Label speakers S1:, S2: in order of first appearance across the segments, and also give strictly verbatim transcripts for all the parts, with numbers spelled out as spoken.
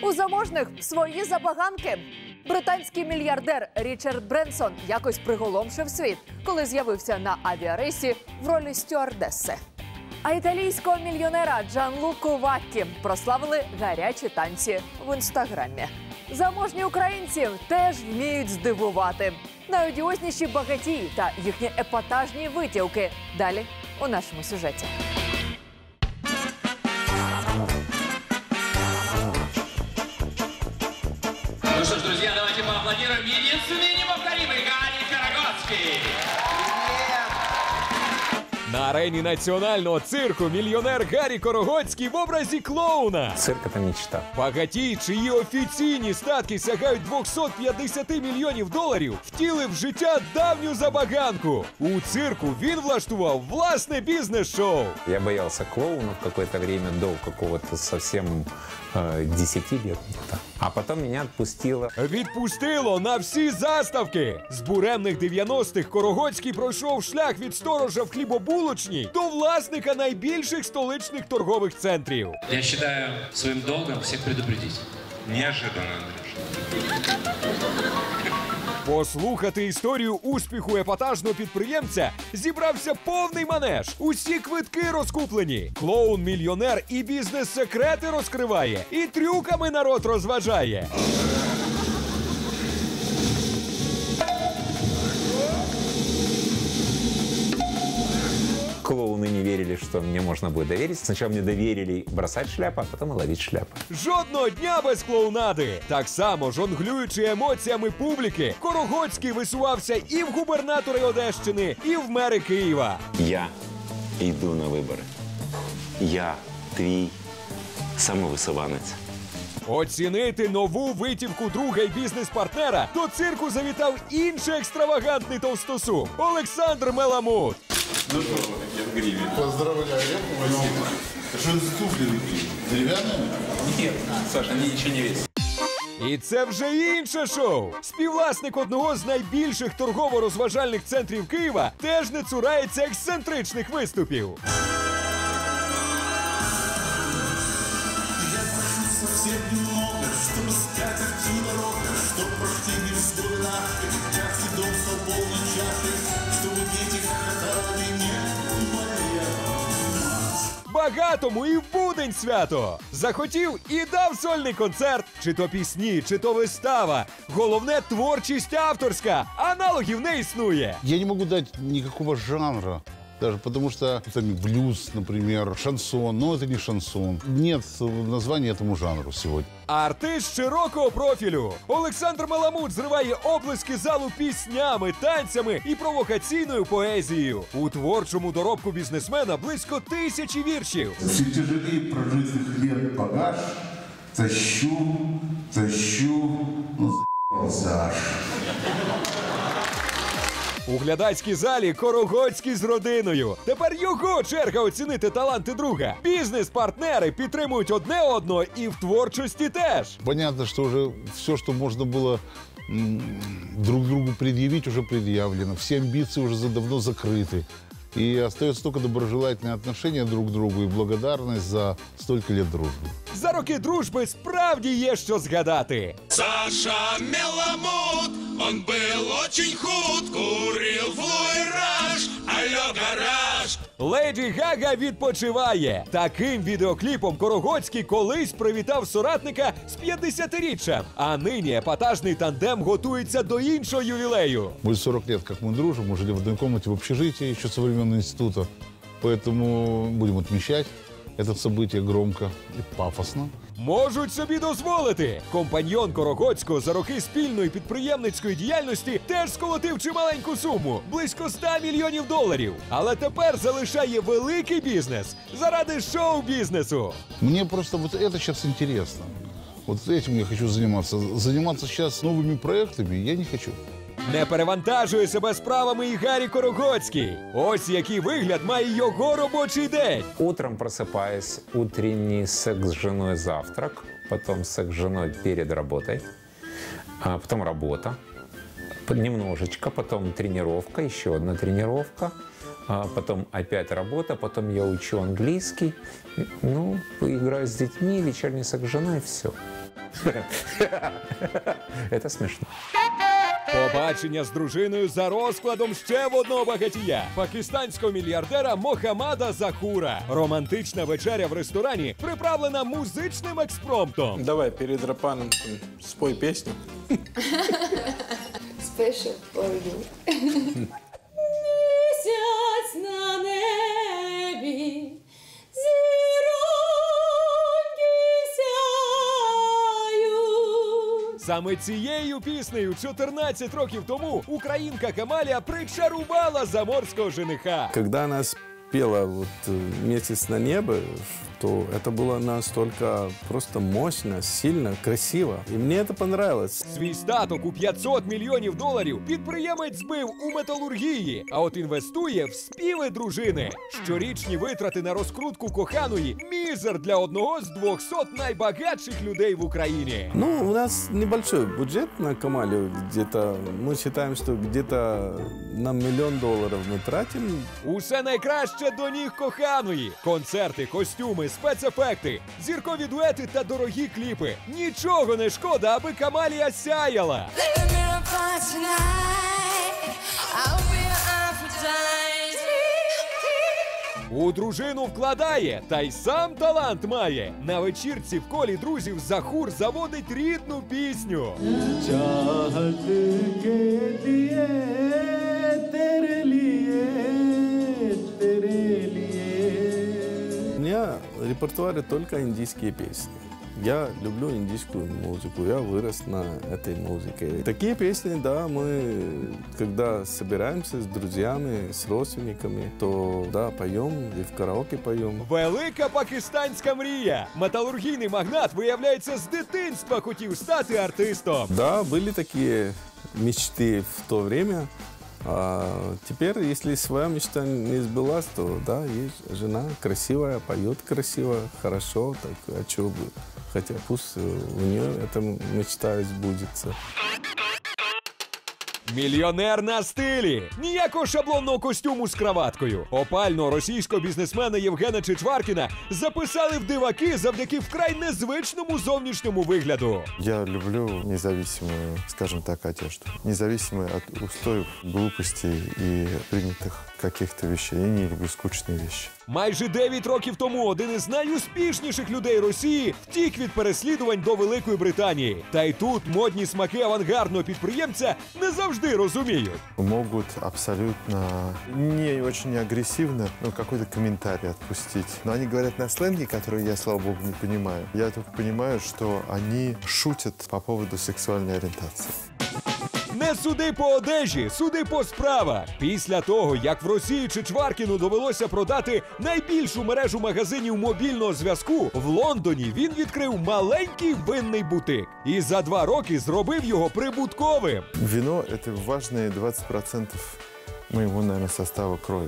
S1: У заможних свої забаганки. Британський мільярдер Річард Бренсон якось приголомшив світ, коли з'явився на авіарейсі в ролі стюардеси. А італійського мільйонера Джанлуку Ваккі прославили гарячі танці в інстаграмі. Заможні українці теж вміють здивувати. Найодіозніші багатії та їхні епатажні витівки. Далі у нашому сюжеті.
S2: Ну что ж, друзья, давайте поаплодируем единственный неповторимый Гарри Карагодский.
S3: На арені національного цирку мільйонер Гаррі Корогоцький в образі клоуна.
S4: Цирк – это мечта.
S3: Багатій, чиї офіційні статки сягають двісті п'ятдесят мільйонів доларів, втілив в життя давню забаганку. У цирку він влаштував власне бізнес-шоу.
S4: Я боялся клоунов какое-то время, до какого-то совсем э, десяти лет где-то. А потом меня отпустило.
S3: Відпустило на всі заставки. З буремних дев'яностих Корогоцький пройшов шлях від сторожа в хлібобулочній до власника найбільших столичних торгових центрів.
S2: Я считаю своим долгом всех предупредить.
S5: Неожиданно, Андрюш.
S3: Послухати історію успіху епатажного підприємця зібрався повний манеж. Усі квитки розкуплені. Клоун-мільйонер і бізнес-секрети розкриває, і трюками народ розважає.
S4: Клоуны не верили, что мне можно будет доверить. Сначала мне доверили бросать шляпу, а потом и ловить шляпу.
S3: Жодного дня без клоунади. Так само, жонглюючи емоціями публіки, Корогоцький висувався і в губернатори Одещини, і в мери Києва.
S6: Я йду на вибори. Я твій самовисуванець.
S3: Оцінити нову витівку друга й бізнес-партнера до цирку завітав інший екстравагантний товстосум – Олександр Меламут.
S5: Ну что, я в гриве. Поздравляю, спасибо. Что это за туфли такие? Деревянные?
S6: Нет, Саша, они ничего не весят.
S3: І це вже інше шоу. Співвласник одного з найбільших торгово-розважальних центрів Києва теж не цурається ексцентричних виступів.
S7: Совсем немного, чтобы скатерть дорога, чтоб практики вспоминали, частый дом стал полной чашей, чтобы дети хохотали, не моя мать.
S3: Багатому і в будень свято. Захотів і дав сольний концерт. Чи то пісні, чи то вистава. Головне – творчість авторська. Аналогів не існує.
S8: Я не могу дать никакого жанра. Даже потому что там блюз, например, шансон, но это не шансон. Нет названия этому жанру сегодня.
S3: Артист широкого профілю. Олександр Меламут зриває облиски залу піснями, танцями і провокаційною поезією. У творчому доробку бізнесмена близько тисячі віршів.
S7: Все тяжелее прожитых лет багаж, тащу, тащу, ну за***ался аж.
S3: У глядацькій залі Корогоцький з родиною. Тепер його черга оцінити таланти друга. Бізнес-партнери підтримують одне одного і в творчості теж.
S8: Понятно, что уже все, что можно было м, друг другу предъявить, уже предъявлено. Все амбиции уже давно закрыты. И остается только доброжелательное отношение друг к другу и благодарность за столько лет дружбы.
S3: За роки дружби справді є що згадати.
S7: Саша Меламут, он был очень худ, курил флуэраж, алло, гараж.
S3: Леді Гага відпочиває. Таким відеокліпом Корогоцький колись привітав соратника з п'ятдесятиріччям. А нині епатажний тандем готується до іншого ювілею.
S8: Будет сорок лет, как мы дружим, мы жили в одной комнате в общежитии еще со времен института. Поэтому будем отмечать это событие громко и пафосно.
S3: Можуть собі дозволити. Компаньйон Корогоцького за роки спільної підприємницької діяльності теж сколотив чималеньку суму – близько ста мільйонів доларів. Але тепер залишає великий бізнес заради шоу-бізнесу.
S8: Мне просто вот это сейчас интересно. Вот этим я хочу заниматься. Заниматься сейчас новыми проектами я не хочу.
S3: Не перевантажує себе справами і Гаррі Корогоцький. Ось який вигляд має його робочий день.
S4: Утром просыпаюсь, утренний секс с женой, завтрак, потом секс с женой перед работой, а потом работа, немножечко, потом тренировка, еще одна тренировка, а потом опять работа, потом я учу английский, ну, играю с детьми, вечерний секс с женой, и все. Это смешно.
S3: Побачення з дружиною за розкладом ще в одного багатія – пакистанського мільярдера Мохаммада Захура. Романтична вечеря в ресторані приправлена музичним експромтом.
S6: Давай перед Рапаном спой песню.
S9: Special for you.
S10: Місяць на небі, зіроньки сяють.
S3: Саме цією піснею чотирнадцять років тому українка Камалія причарувала заморського жениха.
S11: Когда она спела вот «Месяц на небо», то это было настолько просто мощно, сильно, красиво. И мне это понравилось.
S3: Свій статок у п'ятсот мільйонів доларів підприємець збив у металургії, а от інвестує в співи дружини. Щорічні витрати на розкрутку коханої – мізер для одного з двохсот найбагатших людей в Україні.
S11: Ну, у нас небольшой бюджет на Камалию. Где-то, мы считаем, что где-то на миллион долларов мы тратим.
S3: Усе найкраще до ніг коханої. Концерти, костюми, спецефекти, зіркові дуети та дорогі кліпи. Нічого не шкода, аби Камалія сяяла. У дружину вкладає, та й сам талант має. На вечірці в колі друзів Захур заводить рідну пісню.
S11: У меня в репертуаре только индийские песни. Я люблю индийскую музыку, я вырос на этой музыке. Такие песни, да, мы, когда собираемся с друзьями, с родственниками, то, да, поем и в караоке поем.
S3: Велика пакистанська мрія. Металургійний магнат, виявляється, з дитинства хотів стати артистом.
S11: Да, были такие мечты в то время. А теперь, если своя мечта не сбылась, то, да, есть жена красивая, поет красиво, хорошо, так, а чего бы? Хотя пусть у нее эта мечта сбудется.
S3: Мільйонер на стилі. Ніякого шаблонного костюму з краваткою. Опального російського бізнесмена Євгена Чичваркіна записали в диваки завдяки вкрай незвичному зовнішньому вигляду.
S12: Я люблю независимую, скажем так, одежду. Независимую от устоев, глупостей и принятых каких-то вещей. Я не люблю скучные вещи.
S3: Майже дев'ять років тому один із найуспішніших людей Росії втік від переслідувань до Великої Британії. Та й тут модні смаки авангардного підприємця не завжди розуміють.
S12: Могут абсолютно не очень агрессивно, ну, какой-то комментарий отпустить. Но они говорят на сленге, который я, слава богу, не понимаю. Я только понимаю, что они шутят по поводу сексуальной ориентации.
S3: Не суди по одежі, суди по справах. Після того, як в Росії Чичваркіну довелося продати найбільшу мережу магазинів мобільного зв'язку, в Лондоні він відкрив маленький винний бутик. І за два роки зробив його прибутковим.
S12: Вино – это важные двадцать процентов моего, наверное, состава крови.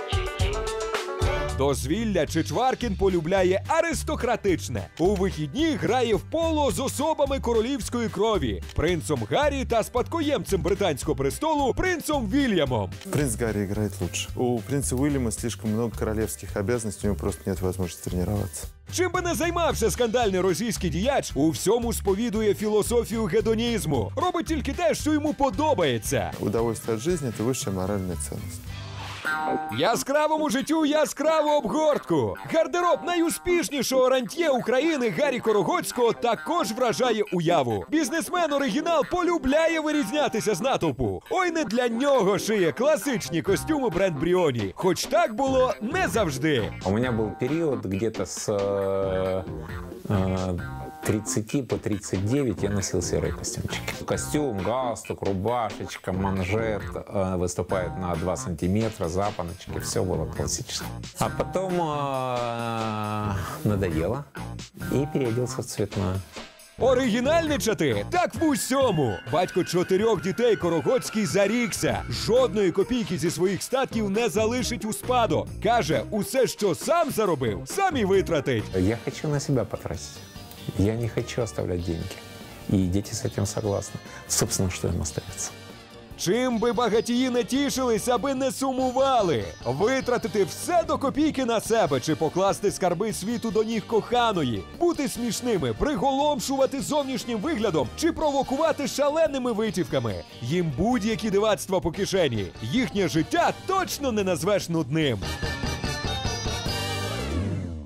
S3: Дозвілля Чичваркін полюбляє аристократичне. У вихідні грає в поло з особами королівської крові – принцом Гаррі та спадкоємцем британського престолу принцом Вільямом.
S12: Принц Гарри играет лучше. У принца Уильяма слишком много королевских обязанностей, у него просто нет возможности тренироваться.
S3: Чим би не займався скандальний російський діяч, у всьому сповідує філософію гедонізму. Робить тільки те, що йому подобається.
S12: Удовольствие от жизни – это высшая моральная ценность.
S3: Яскравому життю яскраву обгортку. Гардероб найуспішнішого рантьє України Гаррі Корогоцького також вражає уяву. Бізнесмен-оригінал полюбляє вирізнятися з натовпу. Ой, не для нього шиє класичні костюми бренд Бріоні. Хоч так було не завжди.
S4: У меня был период где-то с э, э, тридцати по тридцать девять я носил серые костюмчики. Костюм, галстук, рубашечка, манжет, э, выступает на два сантиметра, запоночки, все было классическое. А потом э, надоело и переоделся в цветное.
S3: Оригінальничати? Так в усьому. Батько чотирьох дітей Корогоцький зарікся. Жодної копійки зі своїх статків не залишить у спадок. Каже, усе, що сам заробив, сам і витратить.
S4: Я хочу на себя потратить. Я не хочу оставлять деньги. И дети с этим согласны. Собственно, что им остается.
S3: Чим би багатії не тішились, аби не сумували? Витратити все до копійки на себе чи покласти скарби світу до ніг коханої? Бути смішними, приголомшувати зовнішнім виглядом чи провокувати шаленими витівками? Їм будь-які дивацтва по кишені. Їхнє життя точно не назвеш нудним.